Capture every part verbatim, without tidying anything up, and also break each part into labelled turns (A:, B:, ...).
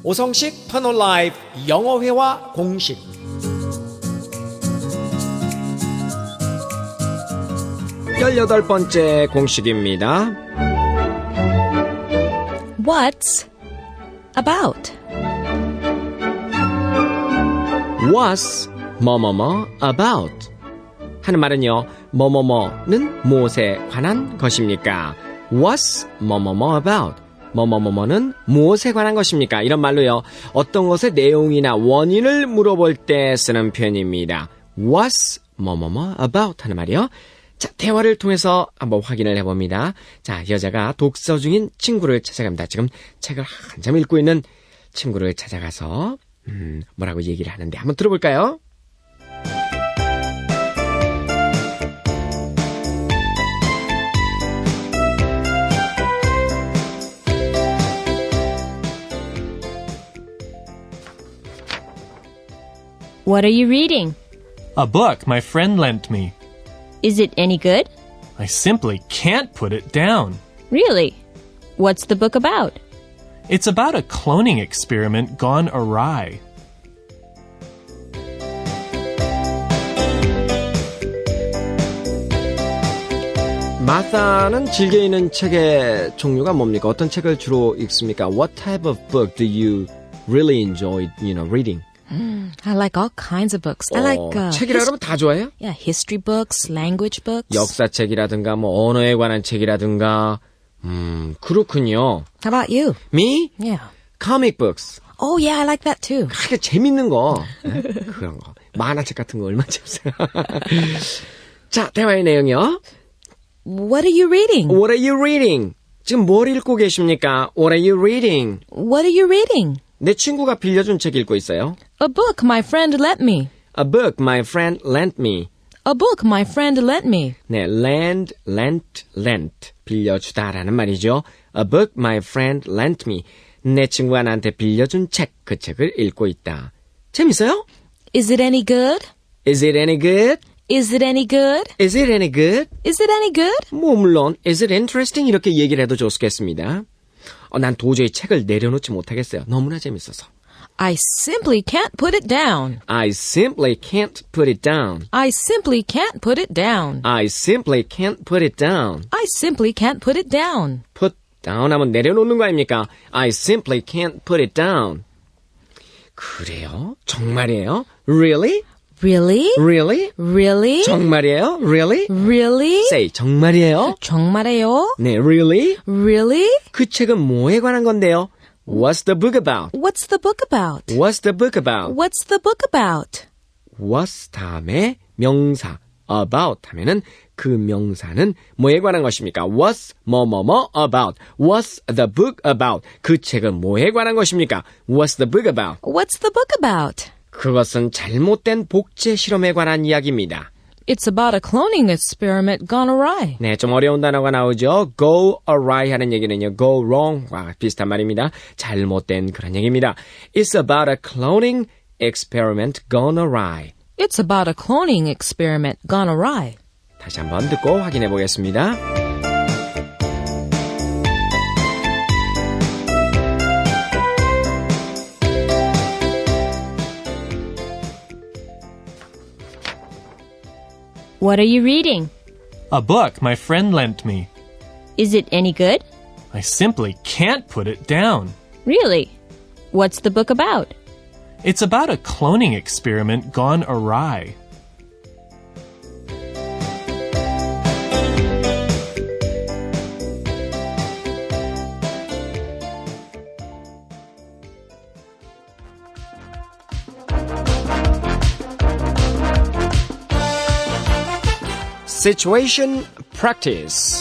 A: 오성식 터널 라이프 영어회화 공식. 열여덟 번째 공식입니다.
B: What's about?
A: What's 뭐뭐뭐 about? 하는 말은요, 뭐뭐뭐는 무엇에 관한 것입니까? What's 뭐뭐뭐 about? 뭐뭐뭐뭐는 무엇에 관한 것입니까? 이런 말로요, 어떤 것의 내용이나 원인을 물어볼 때 쓰는 표현입니다. What's 뭐뭐뭐 about? 하는 말이요. 자, 대화를 통해서 한번 확인을 해봅니다. 자, 여자가 독서 중인 친구를 찾아갑니다. 지금 책을 한참 읽고 있는 친구를 찾아가서 음, 뭐라고 얘기를 하는데 한번 들어볼까요?
B: What are you reading?
C: A book my friend lent me.
B: Is it any good?
C: I simply can't put it down.
B: Really? What's the book about?
C: It's about a cloning experiment gone awry.
A: 마사는 즐겨 읽는 책의 종류가 뭡니까? 어떤 책을 주로 읽습니까? What type of book do you really enjoy, you know, reading?
B: Mm, I like all kinds of books. I like uh,
A: 책이라 그러면 다 좋아해요?
B: yeah, history books, language books.
A: 역사책이라든가 뭐 언어에 관한 책이라든가. 음, 그렇군요.
B: How about you?
A: Me?
B: Yeah.
A: Comic books.
B: Oh, yeah, I like that too.
A: 하게 재밌는 거. 네? 그런 거. 만화책 같은 거 얼마나 재밌어요. 자, 대화의 내용이요.
B: What are you reading?
A: What are you reading? 지금 뭘 읽고 계십니까? What are you reading?
B: What are you reading?
A: 내 친구가 빌려준 책 읽고 있어요.
B: A book my friend lent me.
A: A book my friend lent me.
B: A book my friend lent me.
A: 네, lend, lent, lent. 빌려주다라는 말이죠. A book my friend lent me. 내 친구가 나한테 빌려준 책, 그 책을 읽고 있다. 재밌어요?
B: Is it any good?
A: Is it any good?
B: Is it any good?
A: Is it any good?
B: Is it any good?
A: 뭐 물론 Is it interesting? 이렇게 얘기를 해도 좋겠습니다. 어, 난 도저히 책을 내려놓지 못하겠어요. 너무나 재밌어서.
B: I simply can't put it down.
A: I simply can't put it down.
B: I simply can't put it down.
A: I simply can't put it down.
B: I simply can't put it down.
A: Put down 하면 내려놓는 거 아닙니까? I simply can't put it down. 그래요? 정말이에요? Really?
B: Really?
A: Really?
B: Really?
A: 정말이에요? Really?
B: Really?
A: Say 정말이에요?
B: 정말이에요?
A: 네, really?
B: Really?
A: 그 책은 뭐에 관한 건데요? What's the book about?
B: What's the book about?
A: What's the book about?
B: What's the book about?
A: What's 다음에 명사 about 하면은 그 명사는 뭐에 관한 것입니까? What's 뭐뭐뭐 about? What's the book about? 그 책은 뭐에 관한 것입니까? What's the book about?
B: What's the book about?
A: 그것은 잘못된 복제 실험에 관한 이야기입니다.
B: It's about a cloning experiment gone awry.
A: 네, 좀 어려운 단어가 나오죠. Go awry 하는 얘기는요. Go wrong과 비슷한 말입니다. 잘못된 그런 얘기입니다. It's about a cloning experiment gone awry.
B: It's about a cloning experiment gone awry.
A: 다시 한번 듣고 확인해 보겠습니다.
B: What are you reading?
C: A book my friend lent me.
B: Is it any good?
C: I simply can't put it down.
B: Really? What's the book about?
C: It's about a cloning experiment gone awry.
A: Situation practice.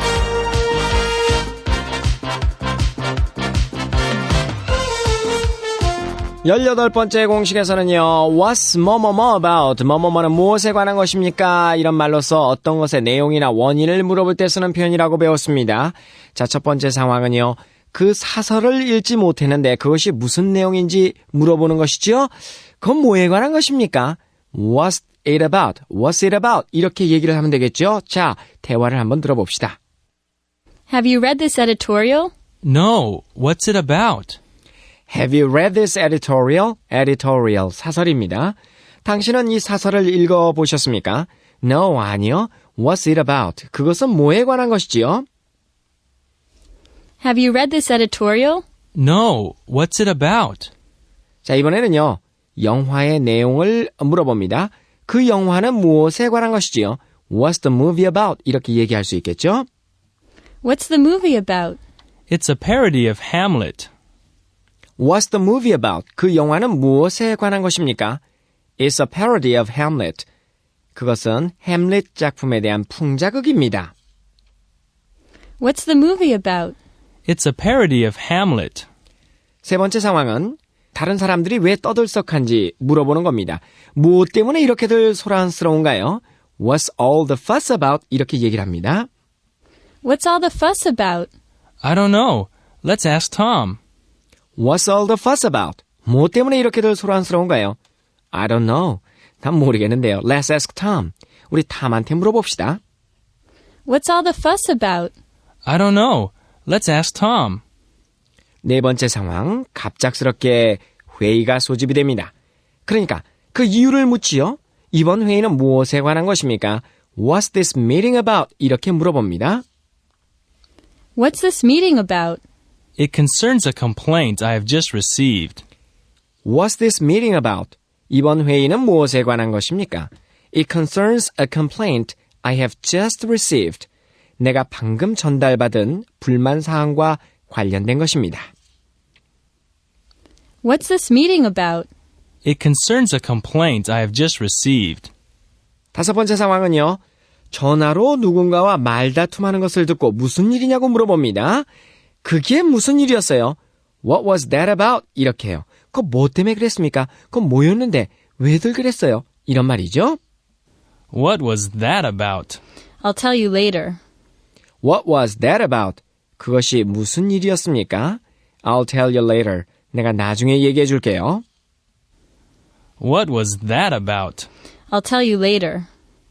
A: 열여덟 번째 공식에서는요. What's 뭐뭐뭐 about? 뭐뭐뭐는 무엇에 관한 것입니까? 이런 말로써 어떤 것의 내용이나 원인을 물어볼 때 쓰는 표현이라고 배웠습니다. 자, 첫 번째 상황은요. 그 사설을 읽지 못했는데 그것이 무슨 내용인지 물어보는 것이죠. 그건 뭐에 관한 것입니까? What's it about? What's it about? 이렇게 얘기를 하면 되겠죠. 자, 대화를 한번 들어봅시다.
B: Have you read this editorial?
D: No, what's it about?
A: Have you read this editorial? editorial, 사설입니다. 당신은 이 사설을 읽어보셨습니까? No, 아니요. What's it about? 그것은 뭐에 관한 것이지요?
B: Have you read this editorial?
C: No, what's it about?
A: 자, 이번에는요. 영화의 내용을 물어봅니다. 그 영화는 무엇에 관한 것이지요? What's the movie about? 이렇게 얘기할 수 있겠죠?
B: What's the movie about?
C: It's a parody of Hamlet.
A: What's the movie about? 그 영화는 무엇에 관한 것입니까? It's a parody of Hamlet. 그것은 햄릿 작품에 대한 풍자극입니다.
B: What's the movie about?
C: It's a parody of Hamlet.
A: 세 번째 상황은 다른 사람들이 왜 떠들썩한지 물어보는 겁니다. 무엇 때문에 이렇게들 소란스러운가요? What's all the fuss about? 이렇게 얘기를 합니다.
B: What's all the fuss about?
C: I don't know. Let's ask Tom.
A: What's all the fuss about? 무엇 때문에 이렇게들 소란스러운가요? I don't know. 난 모르겠는데요. Let's ask Tom. 우리 탐한테 물어봅시다.
B: What's all the fuss about?
C: I don't know. Let's ask Tom.
A: 네 번째 상황, 갑작스럽게 회의가 소집이 됩니다. 그러니까 그 이유를 묻지요. 이번 회의는 무엇에 관한 것입니까? What's this meeting about? 이렇게 물어봅니다.
B: What's this meeting about?
C: It concerns a complaint I have just received.
A: What's this meeting about? 이번 회의는 무엇에 관한 것입니까? It concerns a complaint I have just received. 내가 방금 전달받은 불만 사항과 관련된 것입니다.
B: What's this meeting about?
C: It concerns a complaint I have just received.
A: 다섯 번째 상황은요. 전화로 누군가와 말다툼하는 것을 듣고 무슨 일이냐고 물어봅니다. 그게 무슨 일이었어요? What was that about? 이렇게 해요. 그거 뭐 때문에 그랬습니까? 그건 뭐였는데 왜들 그랬어요? 이런 말이죠.
C: What was that about?
B: I'll tell you later.
A: What was that about? 그것이 무슨 일이었습니까? I'll tell you later. 내가 나중에 얘기해 줄게요.
C: What was that about?
B: I'll tell you later.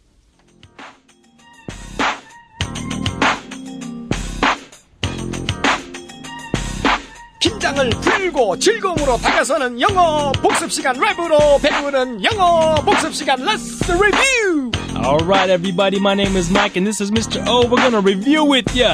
A: 긴장을 풀고 즐거움으로 다가서는 영어 복습 시간 랩으로 배우는 영어 복습 시간 Let's review!
C: Alright, everybody, my name is Mike and this is Mister O. We're gonna review with ya.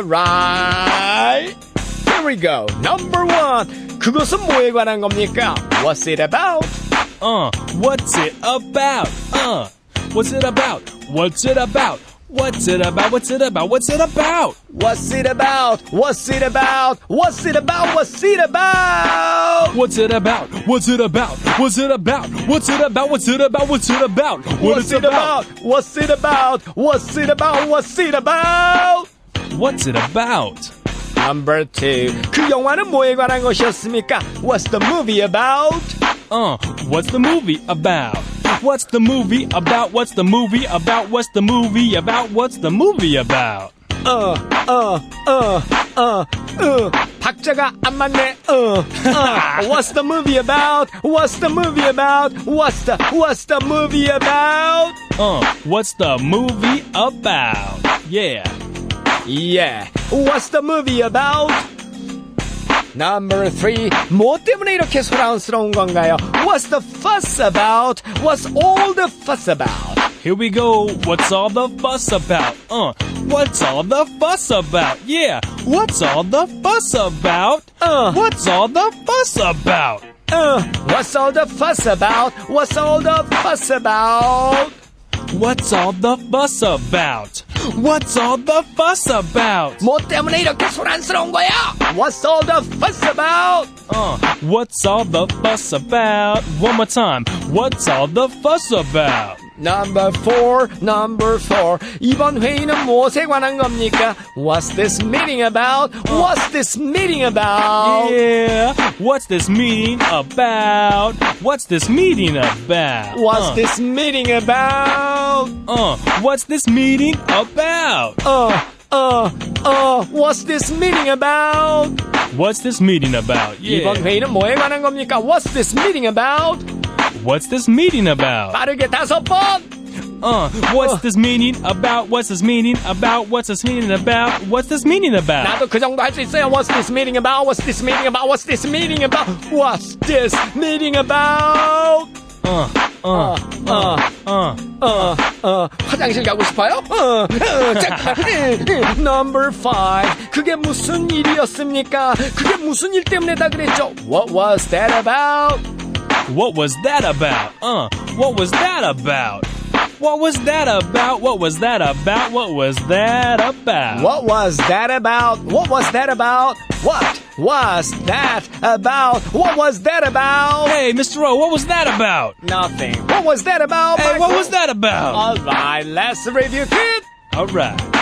A: Alright, here we go. Number one, 그것은 뭐에 관한 겁니까? What's it about?
C: Uh, what's it about? Uh, what's it about? What's it about? What's it about? What's it about? What's it about?
A: What's it about? What's it about? What's it about? What's it about?
C: What's it about? What's it about? What's it about? What's it about? What's it about? What's it about?
A: What's it about? What's it about? What's it about? What's it about?
C: What's it about?
A: Number two. 그 영화는 뭐에 관한 것이었습니까? What's the movie about?
C: Uh, what's the movie about? What's the movie about? What's the movie about? What's the movie about? What's the movie about?
A: 어, 어, 어, 어, 어. 박자가 안 맞네. 어, 어. What's the movie about? What's the movie about? What's the, what's the movie about?
C: Uh, what's the movie about? Yeah.
A: Yeah. What's the movie about? Number three. 뭐 때문에 이렇게 소란스러운 건가요? What's the fuss about? What's all the fuss about?
C: Here we go. What's all the fuss about? Uh, what's all the fuss about? Yeah. What's all the fuss about?
A: Uh.
C: What's all the fuss about?
A: Uh, what's all the fuss about? What's all the fuss about?
C: What's all the fuss about? What's all the fuss about?
A: 뭐 때문에 이렇게 소란스러운 거야? What's all the fuss about?
C: Uh, what's all the fuss about? One more time. What's all the fuss about?
A: Number four, number four. 이번 회의는 무엇에 관한 겁니까? What's this meeting about? What's this meeting about?
C: Yeah. What's this meeting about? What's this meeting about?
A: What's
C: uh,
A: this meeting about?
C: Uh, what's this meeting about?
A: Uh, uh, uh, what's this meeting about?
C: What's this meeting about?
A: 이번
C: Yeah.
A: 회의는 뭐에 관한 겁니까? What's this meeting about?
C: What's this meeting about?
A: 빠르게 다섯 번.
C: Uh, what's this meaning about? What's this meaning about? What's this meaning about? What's this meaning about?
A: 나도 그 정도 할 수 있어요. What's this meeting about? What's this meeting about? What's this meeting about? What's this meeting about?
C: Uh, uh, uh, uh.
A: 어, 어, 화장실 가고 싶어요? 어, 어, 잠깐. Number five. 그게 무슨 일이었습니까? 그게 무슨 일 때문에다 그랬죠? What was that about?
C: What was that about? Uh, what was that about? What was that about? What was that about? What was that about?
A: What was that about? What was that about? What was that about? What was that about?
C: Hey, Mister O, what was that about?
A: Nothing. What was that about?
C: Hey, what
A: Michael?
C: was that about?
A: All right, let's review it.
C: All right.